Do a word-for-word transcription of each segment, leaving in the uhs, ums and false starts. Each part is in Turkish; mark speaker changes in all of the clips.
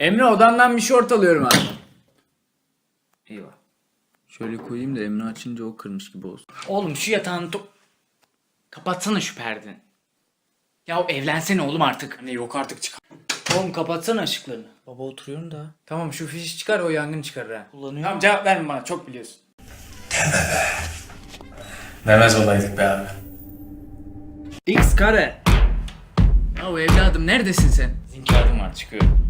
Speaker 1: Emre odandan bir şort alıyorum abi. Eyvah. Şöyle koyayım da Emre açınca o kırmış gibi olsun.
Speaker 2: Oğlum şu yatağını to- kapatsana şu perdeni. Ya evlensene oğlum artık.
Speaker 1: Anne yok artık çıkar.
Speaker 2: Oğlum kapatsana ışıklarını.
Speaker 1: Baba oturuyorum da. Tamam şu fişi çıkar o yangın çıkarır ha.
Speaker 2: Kullanıyor.
Speaker 1: Tamam cevap verme bana çok biliyorsun.
Speaker 3: Demez olaydık be abi.
Speaker 1: X kare. Ya evladım neredesin sen?
Speaker 2: Bizim kağıdım var çıkıyorum.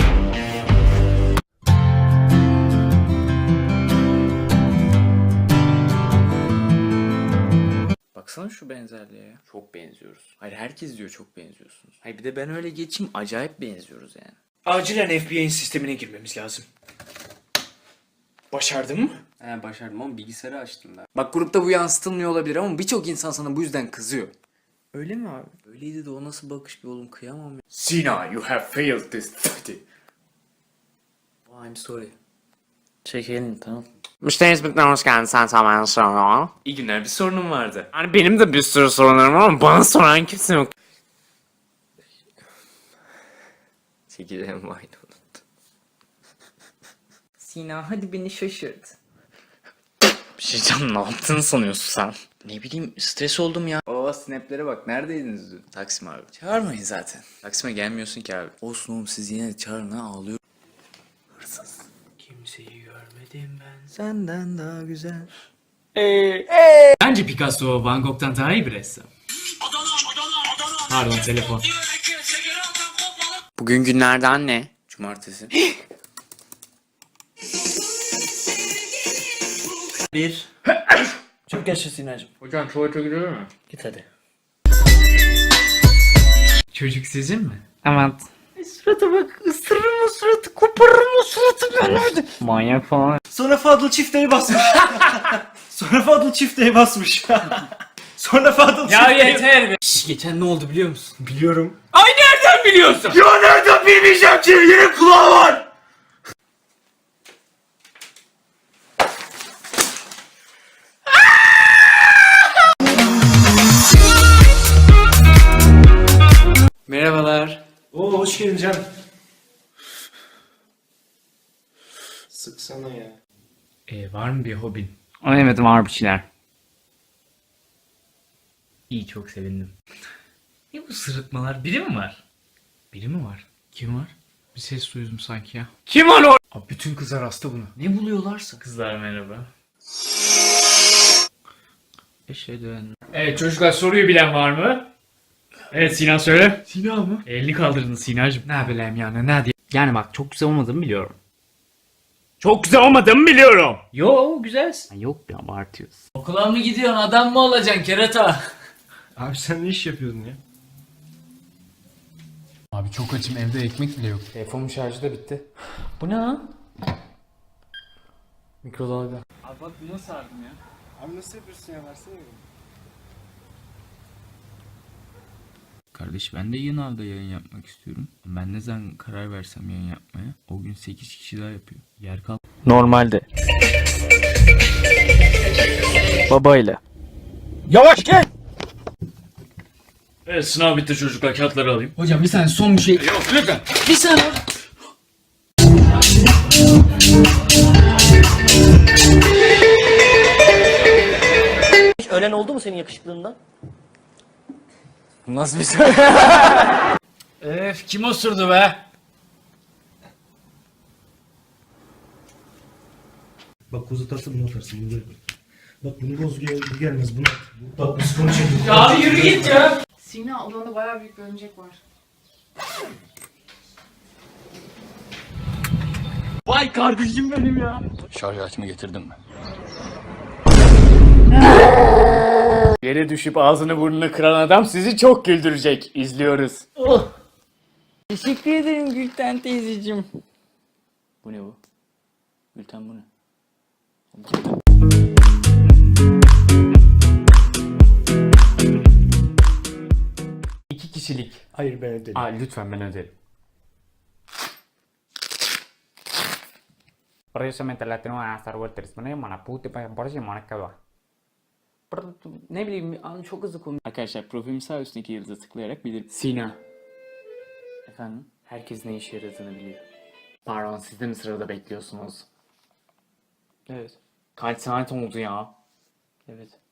Speaker 1: Baksana şu benzerliğe ya. Çok benziyoruz. Hayır herkes diyor çok benziyorsunuz. Hayır bir de ben öyle geçeyim acayip benziyoruz yani.
Speaker 2: Acilen F B I'nin sistemine girmemiz lazım. Başardın mı?
Speaker 1: He başardım ama bilgisayarı açtım ben. Bak grupta bu yansıtılmıyor olabilir ama birçok insan sana bu yüzden kızıyor. Öyle mi abi? Öyleydi de o nasıl bakış bir oğlum kıyamam ya.
Speaker 3: Sina, you have failed this study.
Speaker 1: Oh, I'm sorry.
Speaker 2: Çekelim tamam.
Speaker 4: Müşteri hizmetine hoş geldin. Sen tamamen sonra.
Speaker 3: İyi günler, bir sorunum vardı.
Speaker 4: Hani benim de bir sürü sorunlarım var ama bana soran kimse yok.
Speaker 3: Çekeceğim aynı unuttum.
Speaker 1: Sina hadi beni şaşırt.
Speaker 4: Bir şey diyeceğim, ne yaptığını sanıyorsun sen?
Speaker 2: Ne bileyim stres oldum ya.
Speaker 1: Oo snaplere bak neredeydiniz dün? Taksim abi. Çağırmayın zaten. Taksim'e gelmiyorsun ki abi. Olsun oğlum siz yine de çağırın ha ağlıyor. Hırsız.
Speaker 2: Kimseyi görmedim ben.
Speaker 1: Senden daha güzel.
Speaker 2: Bence Picasso Van Gogh'tan daha iyi bir ressam. Pardon telefon.
Speaker 4: Bugün günlerden ne?
Speaker 1: Cumartesi.
Speaker 2: Bir. Çok yaşa Sinacığım.
Speaker 3: Hocam tuvalete gidiyor mu?
Speaker 2: Git hadi. Çocuk sizin mi?
Speaker 4: Evet.
Speaker 2: Surata bak ısırırım o suratı koparırım o suratı ben nerede?
Speaker 4: Manyak falan.
Speaker 5: Sonra Fadıl çifteye basmış. Sonra Fadıl çifteye basmış. Sonra Fadıl
Speaker 2: Ya
Speaker 5: çifteye...
Speaker 2: yeter be. Şş, geçen ne oldu biliyor musun?
Speaker 5: Biliyorum.
Speaker 2: Ay nereden biliyorsun?
Speaker 5: Ya nereden bilmeyeceğim ki? Yine kulağı var.
Speaker 1: Merhabalar.
Speaker 5: Oo hoş geldin Can. Sıksana ya.
Speaker 2: Ee, var mı bir hobin?
Speaker 4: Evet, var bir şeyler.
Speaker 2: İyi çok sevindim. Ne bu sırıtmalar? Biri mi var? Biri mi var? Kim var? Bir ses duydum sanki ya.
Speaker 4: Kim var o?
Speaker 2: Abi bütün kızlar hasta buna. Ne buluyorlarsa. Kızlar merhaba.
Speaker 1: Eşhedü.
Speaker 2: Evet çocuklar soruyu bilen var mı? Evet Sinan söyle. Sina mı? Elini kaldırdın Sinacığım. Ne bileyim yani ne diye.
Speaker 4: Yani bak, çok güzel olmadığımı biliyorum. Çok güzel olmadığımı biliyorum.
Speaker 2: Yo güzelsin.
Speaker 4: Yok, bir abartıyorsun.
Speaker 2: Okula mı gidiyorsun adam mı olacaksın kerata?
Speaker 5: Abi sen ne iş yapıyordun ya?
Speaker 2: Abi çok açım evde ekmek bile yok.
Speaker 1: Telefonun şarjı da bitti.
Speaker 2: Bu ne lan?
Speaker 1: Mikrodalga.
Speaker 2: Abi bak buna sardım ya.
Speaker 5: Abi nasıl yapıyorsun ya? Versene mi?
Speaker 1: Kardeş ben de yeni avda yayın yapmak istiyorum. Ben ne zaman karar versem yayın yapmaya o gün sekiz kişi daha yapıyor. Yer kal.
Speaker 4: Normalde. Babayla.
Speaker 2: Evet sınav bitti çocuklar kağıtları alayım.
Speaker 1: Hocam bir saniye son bir şey.
Speaker 2: Yok lütfen. Bir saniye.
Speaker 6: Ölen oldu mu senin yakışıklığından?
Speaker 1: Nasıl bir şey?
Speaker 2: Öf kim osurdu be?
Speaker 5: Bak kuzu atarsın bunu atarsın. Bunu böyle. Bak bunu boz gel bu gelmez bunu at. Bak biz bunu çekiyoruz.
Speaker 2: Ya abi yürü git ya.
Speaker 7: Sina odanda bayağı büyük bir örümcek var.
Speaker 2: Vay kardeşim benim ya.
Speaker 3: Şarj aletimi getirdim mi?
Speaker 2: Yere düşüp ağzını burnunu kıran adam sizi çok güldürecek. İzliyoruz.
Speaker 1: Teşekkür ederim Gülten teyzeciğim. Bu ne bu? Gülten bu ne?
Speaker 2: İki kişilik.
Speaker 5: Hayır ben ödedim.
Speaker 2: Aa lütfen ben öderim.
Speaker 4: Precisamente la tengo a Star Wars trismene mana puti pa por si monika var.
Speaker 1: Ne bileyim an çok hızlı konu. Arkadaşlar profilin sağ üstündeki yıldıza tıklayarak bilir.
Speaker 2: Sina.
Speaker 1: Efendim?
Speaker 2: Herkes ne işe yaradığını biliyor. Pardon, siz de mi sırada bekliyorsunuz? Evet. Kaç saat oldu ya? Evet.